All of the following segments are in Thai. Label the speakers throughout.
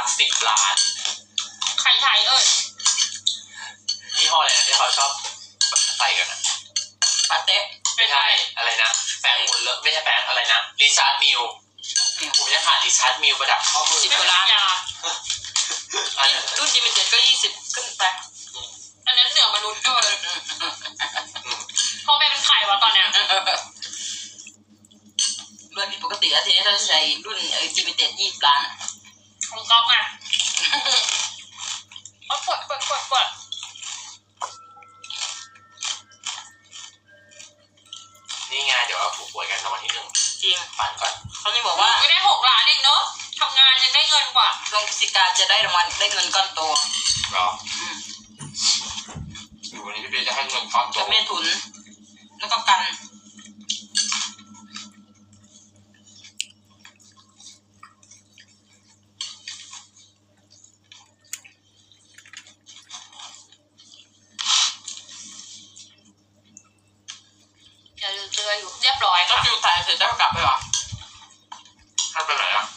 Speaker 1: ลัก10 ล้าน
Speaker 2: ไข่ไทย
Speaker 1: ยี่ห้ออะไรนะที่เขาชอบใส่กันนะ
Speaker 2: ปาเต้
Speaker 1: ไม่ใช่อะไรนะแป้งมุนเลอะไม่ใช่แป้งอะไรนะริชาร์ดมิลผมจะขาดริชาร์ดมิลประดับข้อมือ
Speaker 2: 10 ล้านรุ่นดิมิเต็ดก็20ขึ้นไปอันนั้นเหนือมนุษย์ด้วยพ่อแม่เป็นไข่วะตอนเนี้ยเรื่องผิดปกติแล้วทีนี้เราใช้รุ่นดิมิเต็ด20 ล้านของก๊อฟไงเอากด
Speaker 1: นี่ไงเดี๋ยวเราถูกหวยกันรางวัลที่ 1จริงฝันก่อน
Speaker 2: เขาจะบอกว่าไม่ได้6 ล้านเองเนาะทำงานยังได้เงินกว่าลงกิจการจะได้รางวัลได้เงินก้อนโต
Speaker 1: หรออยู่วันนี้พี่เบสจะให้เงินก้อนโต
Speaker 2: จะแม่ทุนแล้วก็กันเจออยู่เรียบร้อยก็ฟิวถ่ายเสร็จแล้วกลับไปหรอ
Speaker 1: ท่านไปไหนอ่ะ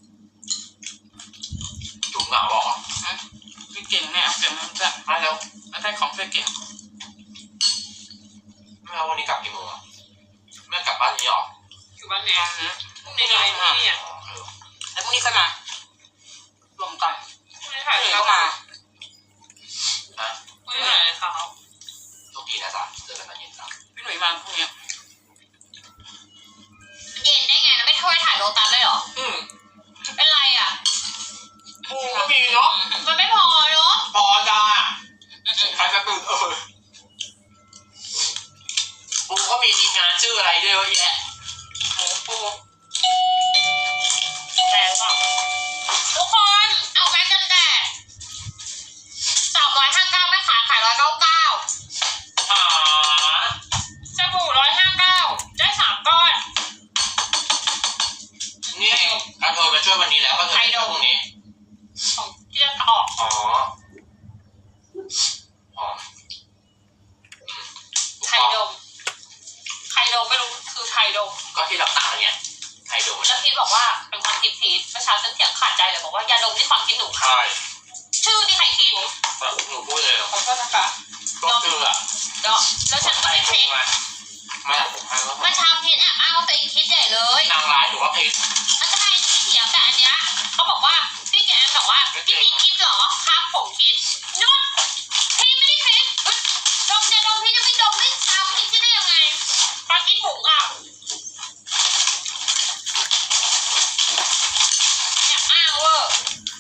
Speaker 1: จุ๋มเหงาบอก
Speaker 2: พี่เก่งแม่เอาเก่งแม่
Speaker 1: ไม่แล้ว
Speaker 2: ไม่ใช่ของเพื่อเก่ง
Speaker 1: ไม่แล้ววันนี้กลับกี่โมงอ่ะแม่กลับบ้านนี้หรอ
Speaker 2: อยู่บ้านแม่พรุ่งนี้ไงนี่อ่ะแล้วพรุ่งนี้ก็มาลงก่อนพรุ่งนี้ถ่ายก็มาพรุ่งนี้ถ่ายเขา
Speaker 1: โชคดีนะจ๊ะเจอกันตอนเย็นจ้ะ
Speaker 2: พี่หนุ่ยมาพรุ่งนี้เย็นได้ไงแล้วไม่ช่วยถ่ายโลตัสเลยเหรอเป็นไรอ่ะ
Speaker 1: ปูก็มีเนาะ
Speaker 2: มันไม่พอเนาะ
Speaker 1: พอจ้าใครจะตื่นปูก็มีทีมงานชื่ออะไรด้วยเยอะแยะปู
Speaker 2: แพงป่ะทุกคนเอาแม็กกันแดด359แม่ขาขาย199สบู่159ได้3 ก้อน
Speaker 1: นี่กระเทยมาช่วยวันนี้แล้วก็เธอช่วยพรุ่งนี้
Speaker 2: ของที่จะออกไทยดมไม่รู้คือไทยดม
Speaker 1: ก็ที่เราตั้งเนี่ยไทยดม
Speaker 2: แล้วพีทบอกว่าเป็นความคิดพีทเมื่อเช้าฉันเถียงขาดใจเลยบอกว่ายาดมนี่ความคิดหนู
Speaker 1: ค่ะ
Speaker 2: ชื่อที่ใครคิด
Speaker 1: หนูพูดเลย
Speaker 2: ขอโทษนะคะ
Speaker 1: ก็คืออะ
Speaker 2: แล้วฉันก็ไม่คิด
Speaker 1: เมื่
Speaker 2: อเช้าพีทแอบอ้างว่าตัวเองคิดใหญ่เลย
Speaker 1: นางร้ายหรือว่าพีท
Speaker 2: มันจะให้เถียงแต่อันเนี้ยเขาบอกว่าพี่แกบอกว่าพี่พีคิดเหรอครับผมคิดนุ่นพี่ไม่ได้คิดดมเนี่ยดมพี่จะไม่ดมไม่ตามพี่คิดได้ยังไงปาคิดผงอ่ะเนี่ยอ้างเวอร์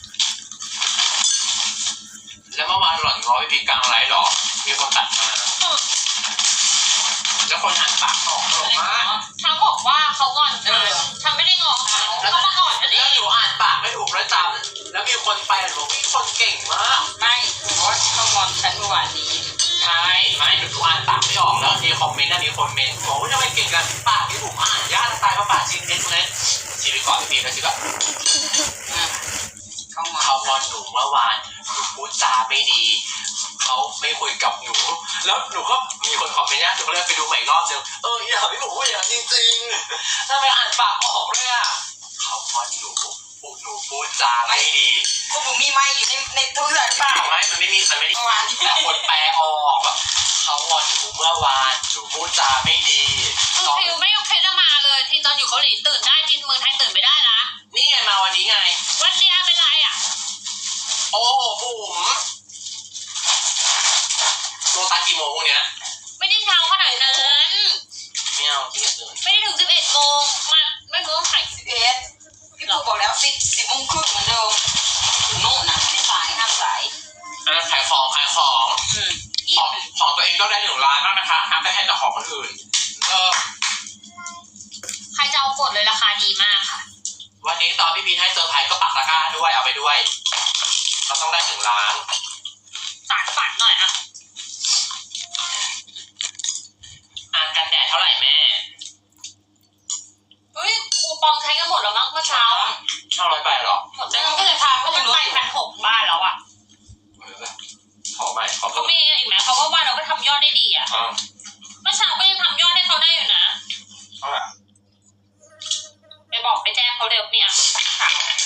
Speaker 1: แล้วเมื่อวานหล่อนง้อพี่พีกลางไลฟ์หรอมีคนตัดมาแล้วคนอ่านปากออกหรอ
Speaker 2: เขาบอกว่าเขางอนฉันไม่ได้งอเขามาก่อนฉันเอง
Speaker 1: แล้วหนูอ่านปากไม่ถูกแล้วจำแล้วมีคนไปบอกพี่คนเก่งมาก
Speaker 2: ไม่เพราะเขางอนฉันเมื่อวานนี้
Speaker 1: ใช่ไม่หนูอ่านปากไม่ออกแล้วมีคอมเมนต์มีคนเมนต์บอกว่าทำไมเก่งกันปากที่ถูกอ่านยากตายเพราะปากชิงเด็ดเลยชีวิตก่อนพี่นะชีวิตแบบเขางอนหนูเมื่อวานหนูพูดจาไม่ดีเขาไม่คุยกับหนูแล้วหนูก็มีคนคอมเมนต์หนูก็เลยไปดูใหม่รอบนึงอย่าให้หนูอย่างจริงๆทำไมอ่านปากออกเลยอ่ะเขางอนหนูพูดจาไม่ดี
Speaker 2: พวกหนูมีไม่อยู่ในทุกสายเปล่า
Speaker 1: ไม่มันไม่มีเมื่อวานแต่คนแปลออกแบบเขางอนหนูเมื่อวานหนูพูดจาไม่ดี
Speaker 2: ฟิวไม่โอเคจะมาเลยที่ตอนอยู่เกาหลีตื่นได้ที่เมืองไทยตื่นไม่ได้นะ
Speaker 1: นี่ไงมาวันนี้ไง
Speaker 2: วันเดียวเป็นไรอ่ะ
Speaker 1: โอ้บุ๋มโลตัสกี่โมงพวกเนี้ย
Speaker 2: ไม่ได้เช้าขนาดนั้น
Speaker 1: ไม่เอาที่จะตื่น
Speaker 2: ไม่ได้ถึง11 โมงมาไม่รู้ต้องถ่าย11พี่ปู่บอกแล้ว10 โมงครึ่งเหมือนเดิมถึงโน่นนะที่สายห้ามสาย
Speaker 1: ขายของของตัวเองก็ได้1 ล้านบ้างนะคะห้ามไปให้แต่ของคนอื่น
Speaker 2: ใครจะเอากดเลยราคาดีมากค่ะ
Speaker 1: วันนี้ตอนพี่พีให้เซอร์ไพรส์ก็ปักตะกร้าด้วยเอาไปด้วยเราต้องได้1 ล้าน
Speaker 2: ฝันหน่อยอ่ะ
Speaker 1: กันแดดเท่าไหร่แม่
Speaker 2: เฮ้ยคูปองใช้กันหมดแล้วมั้งเมื่อเช้า
Speaker 1: 500 ใบหรอ
Speaker 2: หมดแล้วก็เลยพาเขามันไป1,600 บ้านแล้วอ่ะ
Speaker 1: ขอใหม่
Speaker 2: เขามีอีกไหมเขาก็ว่าเราก็ทำยอดได้ดีอ่ะเมื่อเช้าก็ยังทำยอดให้เขาได้อยู่นะไปบอกไปแจ้งเขาเร็วเนี่ย